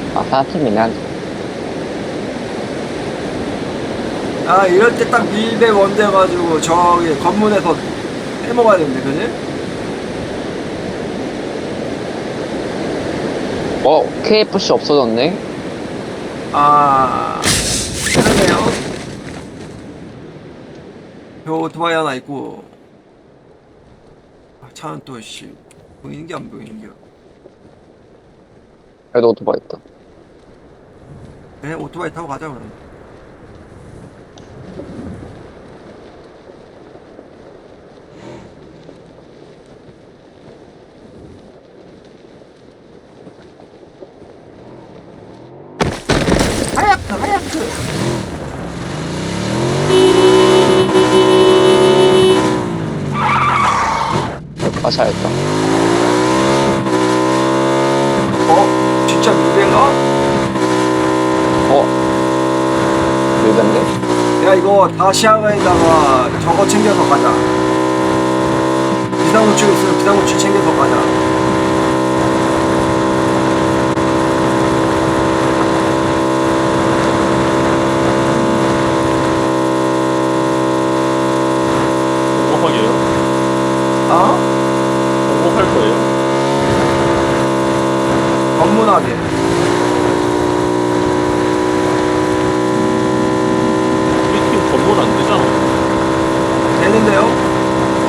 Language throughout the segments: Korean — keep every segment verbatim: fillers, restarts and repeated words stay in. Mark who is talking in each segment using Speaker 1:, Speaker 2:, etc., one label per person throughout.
Speaker 1: 아, 사팀이네, 한
Speaker 2: 아 이럴 때 딱 밀배 원대 가지고 저기 건문에서 해먹어야 되는데 그지?
Speaker 1: 어, 케이에프씨 없어졌네?
Speaker 2: 아 그러네요. 저 오토바이 하나 있고 아, 차는 또씨 보이는 게 안 보이는 게
Speaker 1: 그래도 오토바이 있다.
Speaker 2: 그냥 오토바이 타고 가자 그럼. 하얗트 하얗트.
Speaker 1: 아, 잘했다.
Speaker 2: 어? 진짜 밀배인가?
Speaker 1: 어, 밀던데?
Speaker 2: 야 이거 다시아가에다가 저거 챙겨서 가자. 비상구출 있으면 비상구출 챙겨서 가자.
Speaker 3: 공부하게요?
Speaker 2: 어?
Speaker 3: 공부할 거예요?
Speaker 2: 전문하게.
Speaker 3: 우리 팀 전문 안 되잖아.
Speaker 2: 되는데요?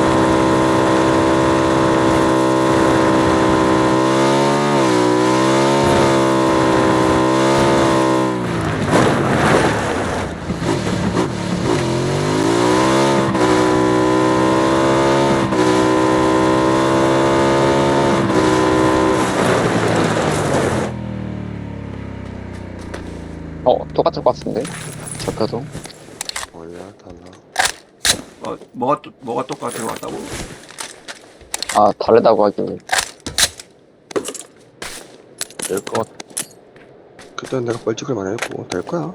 Speaker 1: 어, 똑같을 것 같은데? 잡혀도.
Speaker 4: 뭐야 달라.
Speaker 2: 어, 뭐가 또, 뭐가 똑같아 왔다고?
Speaker 1: 아, 다르다고 하길래.
Speaker 3: 될 것 같아.
Speaker 4: 그땐 내가 뻘찍을만 했고 될 거야.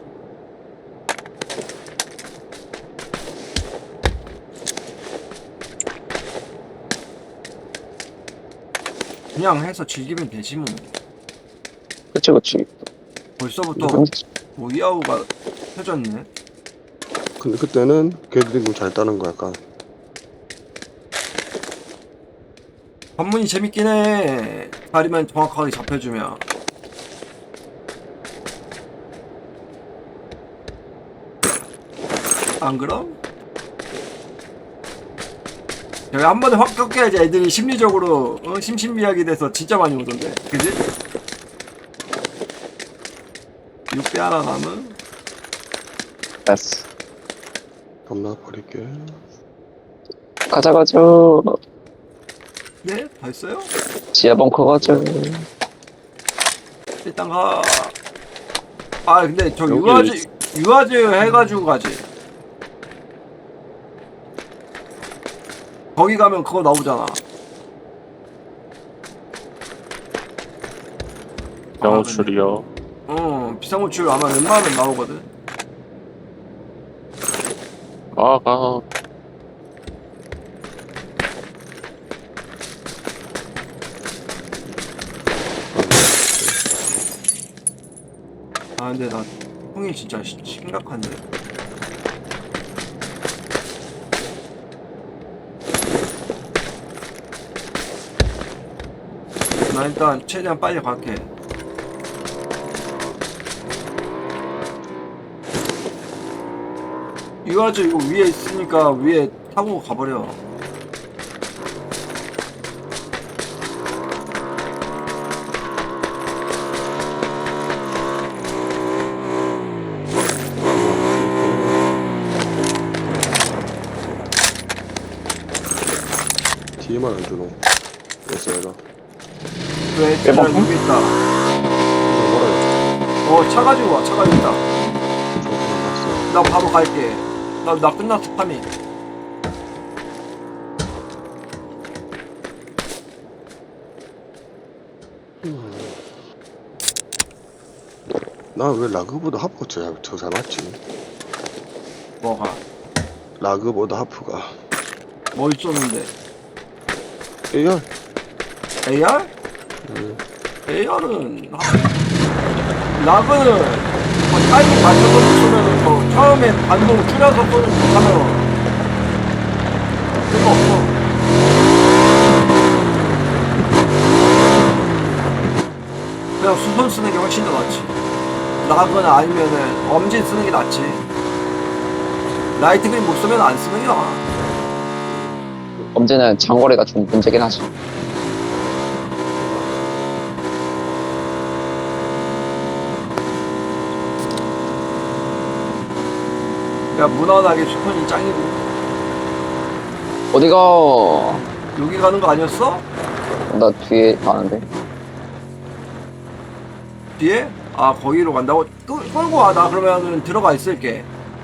Speaker 2: 그냥 해서 즐기면 되지 뭐.
Speaker 1: 그치, 그치.
Speaker 2: 벌써부터
Speaker 1: 근데
Speaker 2: 뭐 이하우가 펴졌네.
Speaker 4: 근데 그때는 걔들이 너무 잘 따는 거야. 약간
Speaker 2: 관문이 재밌긴 해. 다리만 정확하게 잡혀주면. 안 그럼? 여기 한 번에 확 꺾여야지 애들이 심리적으로 어? 심신미약이 돼서 진짜 많이 오던데. 그지? 육 배 하나 남은?
Speaker 1: 됐어.
Speaker 4: 겁나 버릴게.
Speaker 1: 가자, 가자.
Speaker 2: 예? 다 했어요?
Speaker 1: 지하 벙커 가자.
Speaker 2: 일단 가. 아 근데 저
Speaker 3: 여기
Speaker 2: 유아즈 유아즈 해가지고 가지. 거기 가면 그거 나오잖아.
Speaker 3: 영어출이요.
Speaker 2: 어 비상호출 아마 웬만하면 나오거든.
Speaker 3: 아, 가.
Speaker 2: 아 근데 나 형이 진짜 시- 심각한데. 나 일단 최대한 빨리 갈게. 유아즈 이거 위에 있으니까 위에 타고 가버려.
Speaker 4: 뒤에만 안 주노. 에스에라.
Speaker 2: 왜
Speaker 1: 왜
Speaker 2: 쟤가
Speaker 1: 먹어?
Speaker 2: 여기 있다.
Speaker 4: 뭐라.
Speaker 2: 어 차 가지고 와. 차 가지고 있다.
Speaker 4: 저거 봤어.
Speaker 2: 나 바로 갈게. 나 나 끝났어 파밍.
Speaker 4: 나 왜 라그보다 하프가 더, 더 잘 맞지?
Speaker 2: 뭐가?
Speaker 4: 라그보다 하프가.
Speaker 2: 뭐 있었는데?
Speaker 4: 에이알?
Speaker 2: 에이알?
Speaker 4: 음.
Speaker 2: 에이알은 라그는 뭐 타이밍 맞춰서 쏘면 뭐 처음에 반동 줄여서 쏘는 거 하면 쓸거 없어. 그냥 수선 쓰는 게 훨씬 더 낫지. 라그나 아니면은 엄진 쓰는 게 낫지. 라이트 그립 못 쓰면 안 쓰는 게 나아.
Speaker 1: 언제는 장거리가 좀 문제긴 하지.
Speaker 2: 그냥 무난하게 수선이 짱이고.
Speaker 1: 어디가?
Speaker 2: 여기 가는 거 아니었어?
Speaker 1: 나 뒤에 가는데.
Speaker 2: 뒤에? 아 거기로 간다고? 끌, 끌고 와. 나 그러면은 들어가 있을게.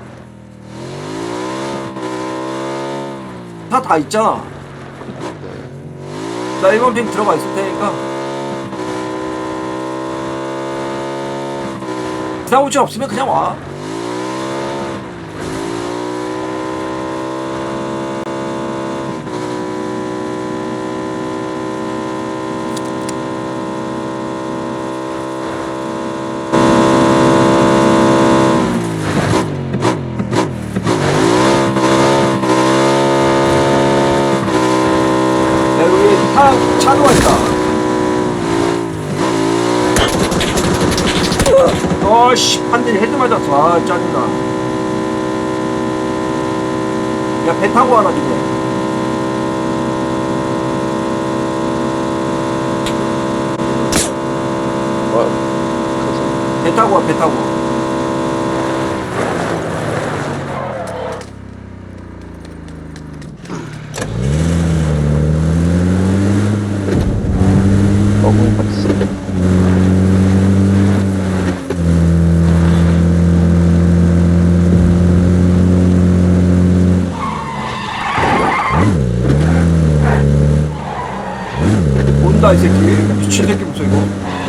Speaker 2: 다 다 있잖아. 나 이번 핑 들어가 있을 테니까. 사고치 없으면 그냥 와. 야, 여기 차, 차도가 있다. 어씨, 판들이 헤드 맞았어. 아, 짜증나. 야, 배 타고 와라, 지금.
Speaker 1: 뭐,
Speaker 2: 배 타고 와, 배 타고.
Speaker 1: 너무 같이.
Speaker 2: 온다, 이 새끼. 미친 새끼 무슨 이거.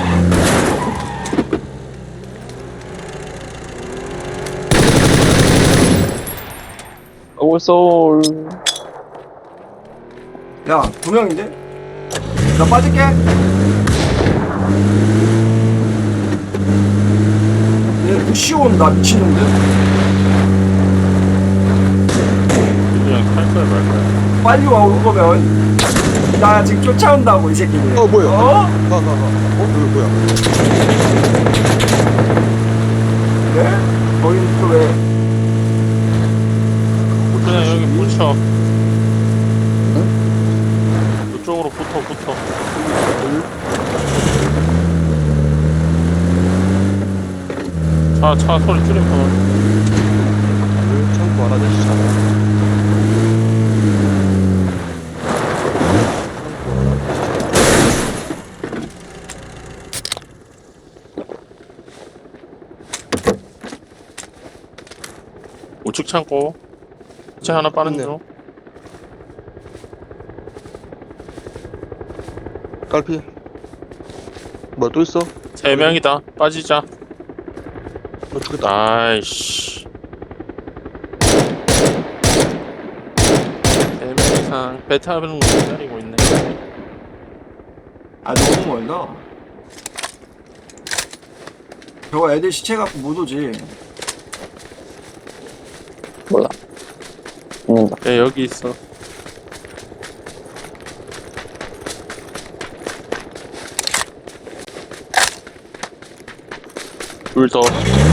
Speaker 1: 올솔.
Speaker 2: 야, 두 명인데? 나 빠질게. 얘 부시 온다, 미친놈들.
Speaker 3: 그냥 탈 거야 말 거야.
Speaker 2: 빨리 와, 올 거면. 나 지금 쫓아온다고, 이 새끼들.
Speaker 4: 어, 뭐야?
Speaker 2: 어?
Speaker 4: 가, 가, 가. 어, 여기 뭐야?
Speaker 2: 네? 거긴 또 왜?
Speaker 3: 그냥 여기 붙여. 이쪽으로 붙어 붙어. 차 차 소리 줄이면
Speaker 4: 여기 창고 하나 되시잖아.
Speaker 3: 우측 창고. 차 하나 빠른
Speaker 4: 있네요.
Speaker 3: 중.
Speaker 4: 깔피. 뭐야, 또 있어?
Speaker 3: 세 명이다. 빠지자.
Speaker 4: 어, 죽겠다.
Speaker 3: 아이씨. 세 명 이상 배 타는 거 기다리고 있네.
Speaker 2: 아, 너무 멀다. 저거 애들 시체 갖고 못 오지.
Speaker 1: 몰라. 죽는다.
Speaker 3: 야 여기 있어. 둘 더.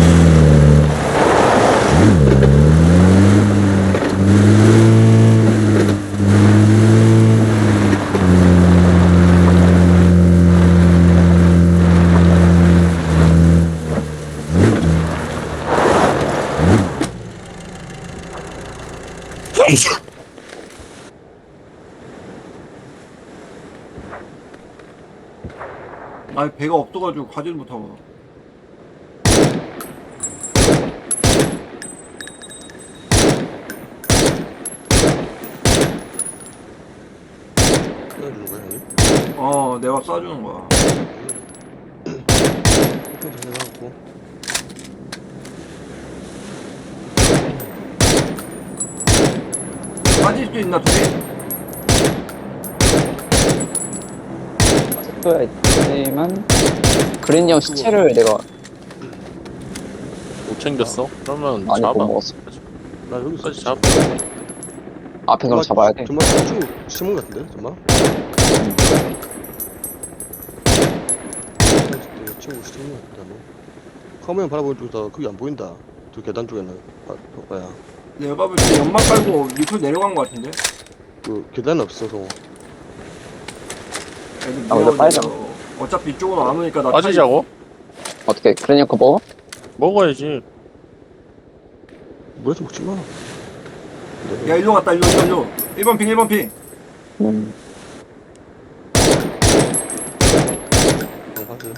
Speaker 2: 아, 배가 없어가지고 가지를 못하고.
Speaker 4: 끊어주는 거야, 형님?
Speaker 2: 어, 내가 쏴주는 거야.
Speaker 4: 이렇게 진행하고.
Speaker 2: 빠질 수 있나, 둘이?
Speaker 1: 있지만 그린 형 시체를 내가
Speaker 3: 챙겼어? 그러면
Speaker 1: 아니,
Speaker 3: 잡아.
Speaker 1: 못 먹었어.
Speaker 4: 나 여기서
Speaker 3: 끝까지 잡아.
Speaker 1: 앞에 그럼 잡아야 돼.
Speaker 4: 정말 친구 심은 것 같은데 정말? 친구 심은 것 같다. 카메라 바라보는 쪽에서 그게 안 보인다. 저 계단 쪽에는 아, 봐야.
Speaker 2: 내가 볼 때 연막 깔고 밑으로 내려간 것 같은데.
Speaker 4: 그 계단 없어서
Speaker 2: 애들
Speaker 1: 아, 근데
Speaker 2: 미워져.
Speaker 1: 빨잖아.
Speaker 2: 어차피 이쪽으로 안 오니까 나
Speaker 3: 빠지자고?
Speaker 1: 어떻게, 그러니까 먹어?
Speaker 3: 먹어야지.
Speaker 4: 물에서 먹지 마.
Speaker 2: 타이... 야 일로 갔다 일로 일로 일로. 일 번 핑 일 번 핑.
Speaker 1: 음.
Speaker 4: 그냥 하지.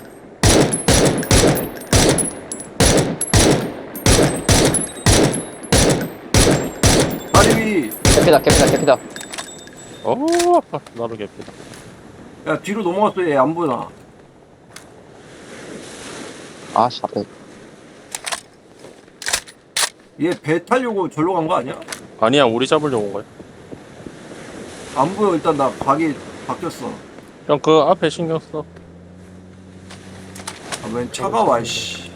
Speaker 2: 다리 위.
Speaker 1: 개피다, 개피다, 개피다.
Speaker 3: 어, 아파. 나도 개피다.
Speaker 2: 야 뒤로 넘어갔어. 얘 안 보나.
Speaker 1: 아, 씨, 앞에.
Speaker 2: 얘 배 타려고 절로 간 거 아니야?
Speaker 3: 아니야, 우리 잡으려고 온 거야.
Speaker 2: 안 보여. 일단 나 각이 바뀌었어.
Speaker 3: 형, 그 앞에 신경 써.
Speaker 2: 아, 웬 차가 와 씨.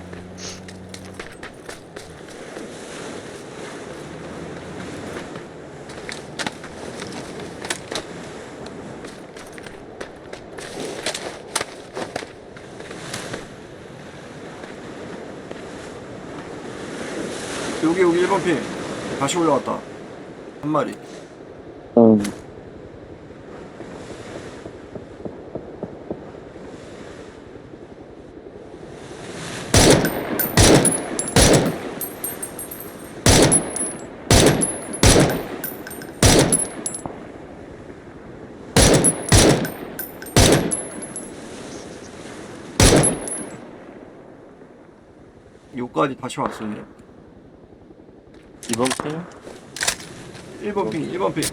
Speaker 2: 여기 여기 일 번 핑. 다시 올라왔다. 한 마리.
Speaker 1: 음.
Speaker 2: 여기까지 다시 왔어. 얘.
Speaker 3: 이번 핑?
Speaker 2: 일 번 핑 일 번 핑.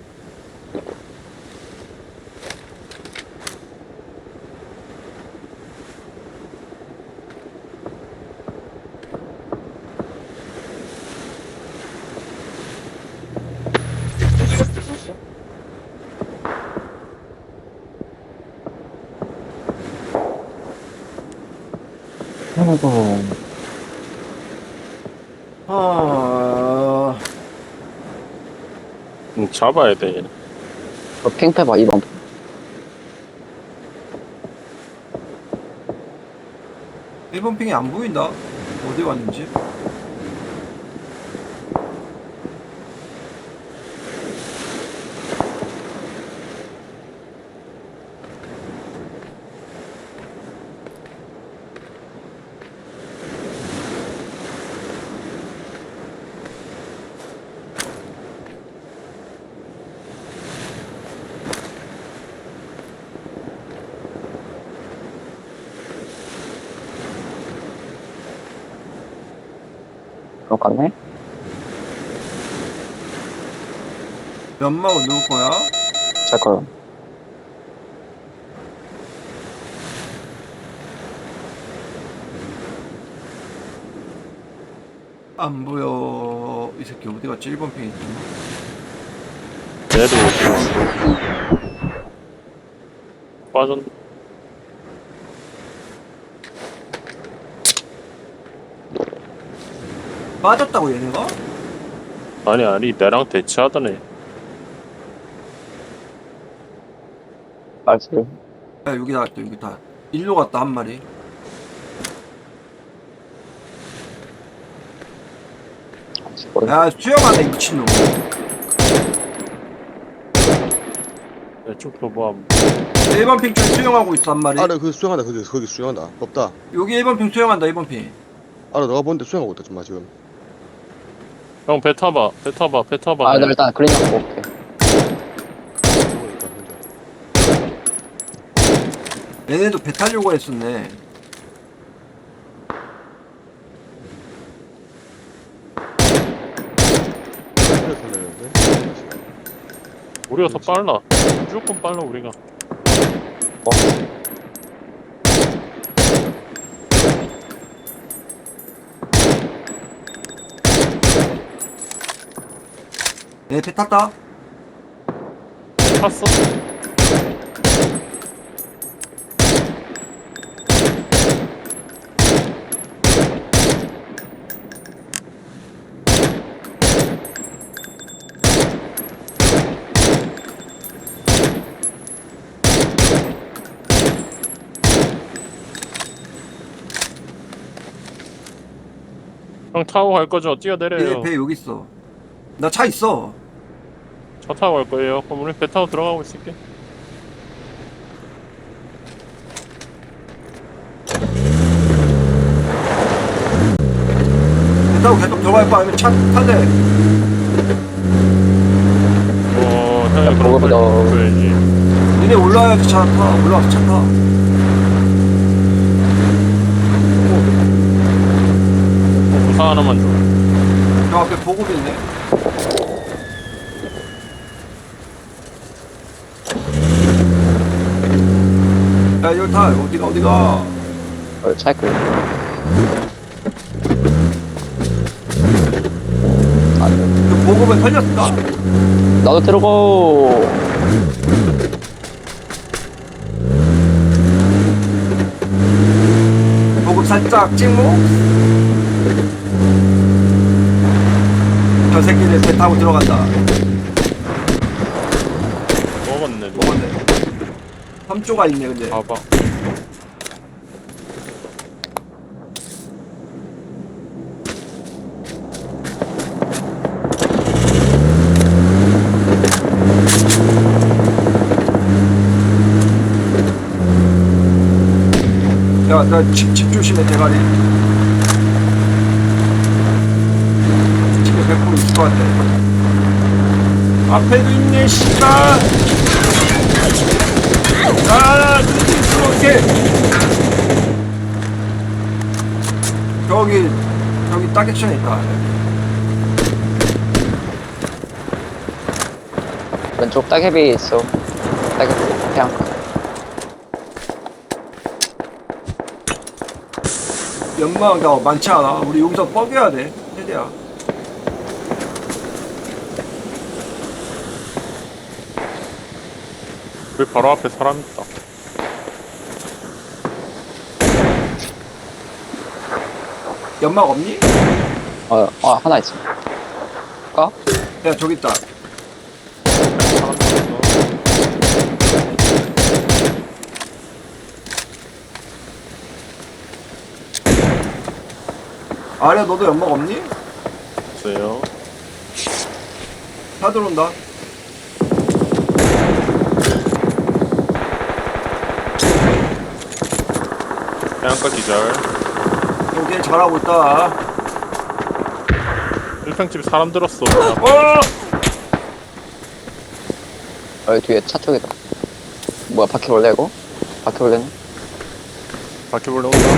Speaker 1: 아이고.
Speaker 2: 아,
Speaker 3: 응, 잡아야 돼, 얘는.
Speaker 1: 저 핑패봐, 이번.
Speaker 2: 일 번 핑이 안 보인다. 어디 왔는지.
Speaker 1: 그럴 것 같네?
Speaker 2: 연막은 누구 거야?
Speaker 1: 잘 거야.
Speaker 2: 안 보여. 이 새끼 어디 갔지? 일 번 핑 있지.
Speaker 3: 얘도 빠졌.
Speaker 2: 빠졌다고 얘네가?
Speaker 3: 아니, 아니, 내랑 대치하더네.
Speaker 1: 알지?
Speaker 2: 야 여기 나왔다 여기 다. 일로 갔다 한 마리. 야 수영하네 미친놈.
Speaker 3: 야, 쭉 뭐,
Speaker 2: 일 번 핑 쪽 수영하고 있어 한 마리.
Speaker 4: 아래 그 수영한다. 거기 거기 수영한다. 없다.
Speaker 2: 여기 일 번 핑 수영한다 일 번 핑.
Speaker 4: 알아 너가 보는데 수영하고 있다 정말 지금.
Speaker 3: 형, 배 타봐, 배 타봐, 배 타봐.
Speaker 1: 아, 나 일단 그린이랑 먹을게.
Speaker 4: 수영하고 있다, 혼자.
Speaker 2: 얘네도 배 타려고 했었네.
Speaker 4: 그래 살려는데.
Speaker 3: 우리가 더 빨라. 무조건 빨라, 우리가.
Speaker 1: 어?
Speaker 2: 얘네 배 탔다.
Speaker 3: 탔어? 형 타고 갈 거죠? 뛰어내려요.
Speaker 2: 얘배 여기 있어. 나 차 있어.
Speaker 3: 차 타고 갈 거예요. 그럼 우리 배 타고 들어가고 있을게.
Speaker 2: 배 타고 계속 들어갈 거 아니면 차 탈래?
Speaker 3: 어, 형이
Speaker 1: 야,
Speaker 3: 그런 걸
Speaker 1: 그거보다-
Speaker 3: 줘야지.
Speaker 2: 니네 올라와야지 차 타. 올라와서 차 타.
Speaker 3: 부상 하나만 줘.
Speaker 2: 저 앞에 보급이 있네. 야 이거 타. 어디가 어디가.
Speaker 1: 어, 차에 끌려. 안 돼.
Speaker 2: 그 보급은 털렸을까?
Speaker 1: 나도 들어가.
Speaker 2: 보급 살짝 찍고. 저 새끼들 배 타고 들어간다.
Speaker 3: 먹었네. 너.
Speaker 2: 먹었네. 삼 조가 있네 근데.
Speaker 3: 봐봐.
Speaker 2: 야, 나 집, 집 조심해, 대가리. 집에 백 퍼센트 있을 것 같아. 앞에도 있네, 씨발! 아, 어떡해! 저기, 저기 딱 액션에 있다.
Speaker 1: 왼쪽 따개비 있어. 따개비. 그냥.
Speaker 2: 연마가 많지 않아. 우리 여기서 뻐겨야 돼, 세대야.
Speaker 3: 우리 바로 앞에 사람 있다.
Speaker 2: 연막 없니?
Speaker 1: 어, 어, 하나 있어. 까?
Speaker 2: 야, 저기 있다.
Speaker 3: 사람 있어.
Speaker 2: 아래 너도 연막 없니?
Speaker 3: 없어요.
Speaker 2: 다 들어온다.
Speaker 3: 해안가 기절.
Speaker 2: 오케이, 잘하고 있다.
Speaker 3: 일평집에 사람 들었어.
Speaker 2: 어!
Speaker 1: 여기 뒤에 차 쪽이다. 뭐야, 바퀴 올래, 이거? 바퀴 올래네?
Speaker 3: 바퀴벌레 온다.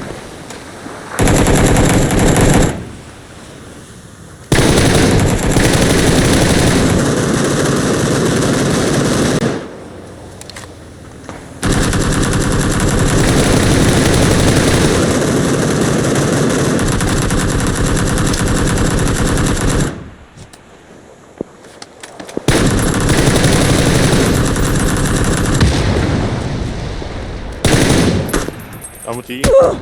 Speaker 3: 나무 뒤.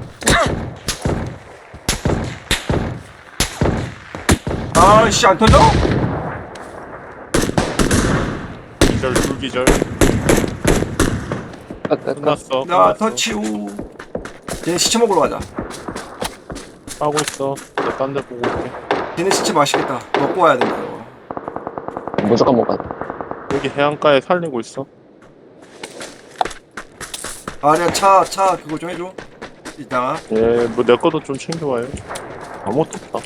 Speaker 2: 아씨, 안 터져?
Speaker 3: 기절, 둘 기절.
Speaker 1: 끝, 끝, 끝.
Speaker 3: 끝났어.
Speaker 2: 나
Speaker 3: 끝났어.
Speaker 2: 터치우. 얘네 시체 먹으러 가자.
Speaker 3: 하고 있어. 나 딴 데 보고 올게.
Speaker 2: 얘네 시체 맛있겠다. 먹고 와야 된다, 이거.
Speaker 1: 무조건 먹어야 돼.
Speaker 3: 여기 해안가에 살리고 있어.
Speaker 2: 아니야, 차, 차, 그거 좀 해줘. 이따가.
Speaker 3: 예, 뭐 내 것도 좀 챙겨와요. 아무것도 없다.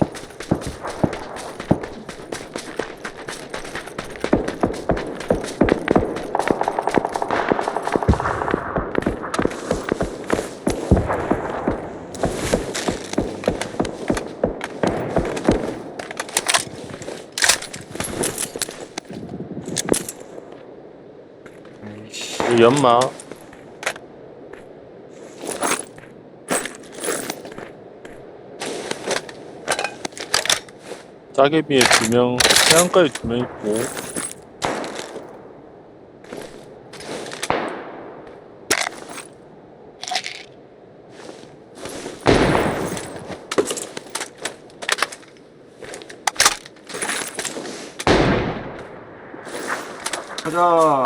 Speaker 3: 이 연마. 짜개비에 두 명, 해안가에 두 명 있고.
Speaker 2: 가자.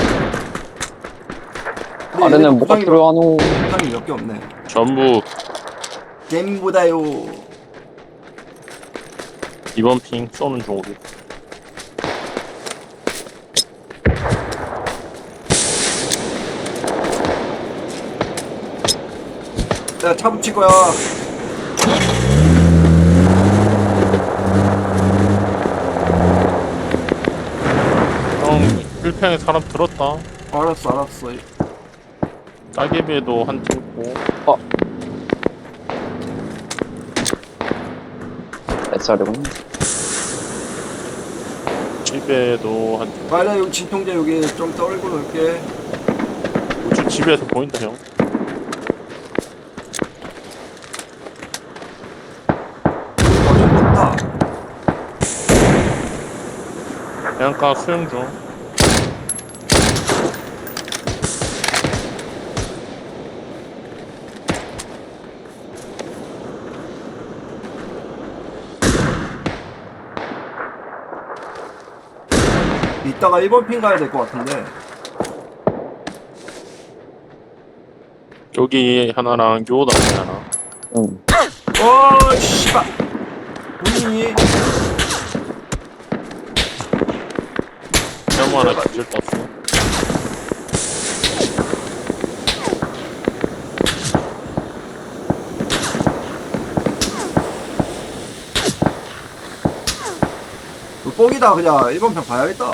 Speaker 1: 아래는 뭐가 필요하노?
Speaker 2: 탄이 몇 개 없네.
Speaker 3: 전부
Speaker 2: 게임보다요.
Speaker 3: 이번 핑 쏘는 중 우리.
Speaker 2: 내가 차 붙일 거야.
Speaker 3: 형 필평에 사람 들었다.
Speaker 2: 알았어, 알았어.
Speaker 3: 따개비에도 한 팀 있고.
Speaker 1: 뱃살이구나.
Speaker 3: 집에도 한 팀.
Speaker 2: 빨리 여기 진통제 여기 좀 떨고 놓을게.
Speaker 3: 우측 집에서 보인다 형.
Speaker 2: 어좀 높다.
Speaker 3: 해안가 수영 중.
Speaker 2: 이따가 일 번 핀 가야 될 것 같은데.
Speaker 3: 여기 하나랑 요다 하나.
Speaker 1: 응.
Speaker 2: 어, 씨발. 본인이
Speaker 3: 형 하나 기절 떴어.
Speaker 2: 그 뻑이다 그냥 일 번 편 봐야겠다.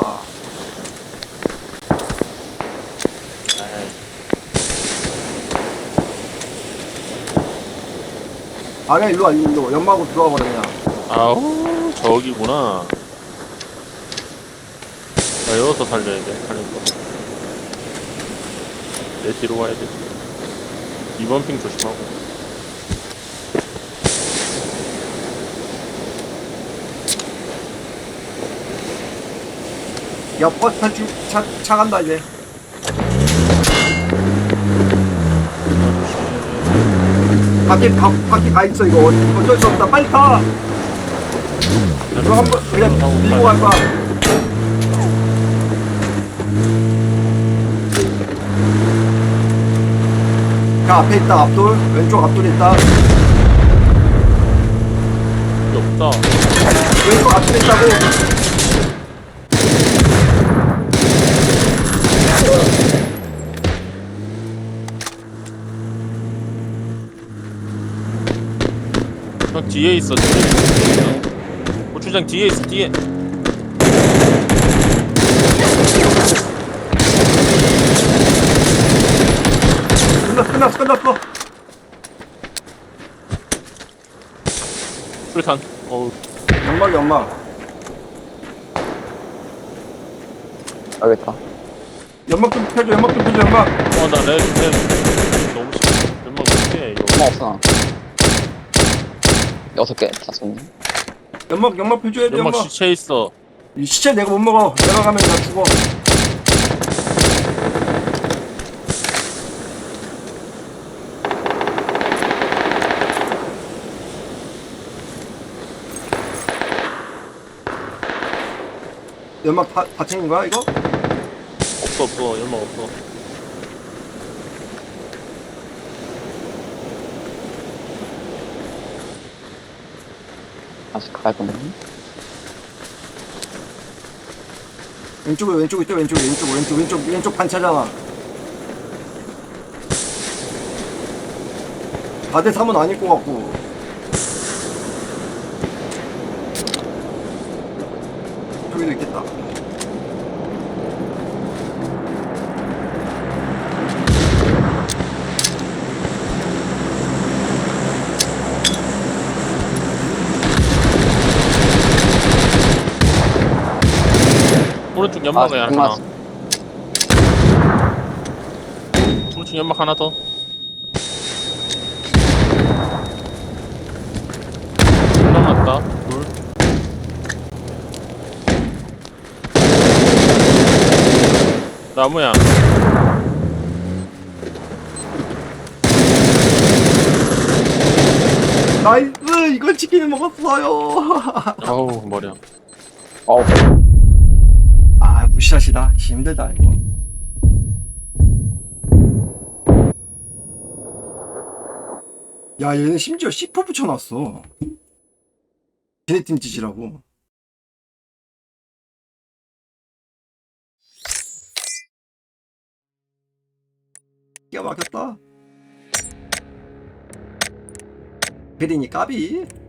Speaker 2: 아니야 일로 와 일로 연마하고 들어와 버려 그냥.
Speaker 3: 아우 저기구나. 나 여기서 살려야 돼. 살린 거. 내 뒤로 와야 돼. 이번 핑 조심하고.
Speaker 2: 야 버스 탈출 차, 차 간다 이제. 밖에 가, 밖에 가 있어 이거 어쩔 수 없다 빨리 타. 너 한번 그냥 밀고 갈 거야. 그 앞에 있다 앞돌 왼쪽 앞돌 있다.
Speaker 3: 여기 없다.
Speaker 2: 왼쪽 앞돌 있다고.
Speaker 3: 형 뒤에 있어. 뒤에 있어. 고추장 뒤에 있어. 뒤에.
Speaker 2: 끝났어 끝났어 끝났어.
Speaker 3: 술탄. 어우.
Speaker 2: 연막 연막
Speaker 1: 알겠다.
Speaker 2: 연막 좀 펴줘 연막 좀 펴줘 연막.
Speaker 3: 어나 레드 레드 너무 싫어. 몇만 못해 이거.
Speaker 1: 얼마 없어 나. 여섯 개 다 썼네.
Speaker 2: 연막 연막 펴줘야 돼
Speaker 3: 연막
Speaker 2: 연막.
Speaker 3: 시체 있어.
Speaker 2: 이 시체 내가 못 먹어. 내가 가면 다 죽어. 연막 다, 다 챙긴 거야 이거?
Speaker 3: 없어 없어. 연막 없어.
Speaker 1: 다시 가야 되네.
Speaker 2: 왼쪽에 왼쪽에 있대 왼쪽에 왼쪽 왼쪽 왼쪽 왼쪽 반차잖아. 사 대 삼은 아닐 것 같고. 저기도 있겠다.
Speaker 3: 오른쪽 연막에
Speaker 1: 아,
Speaker 3: 하나.
Speaker 1: 끝났어.
Speaker 3: 오른쪽 연막 하나 더. 남았다. 둘. 나무야.
Speaker 2: 나이스 이걸 치킨을 먹었어요.
Speaker 3: 아우 머리야.
Speaker 1: 어우.
Speaker 2: 아 부샷이다. 힘들다 이거. 야 얘는 심지어 씨포 붙여놨어. 걔네 팀 짓이라고. 기가 막혔다. 베리니 까비.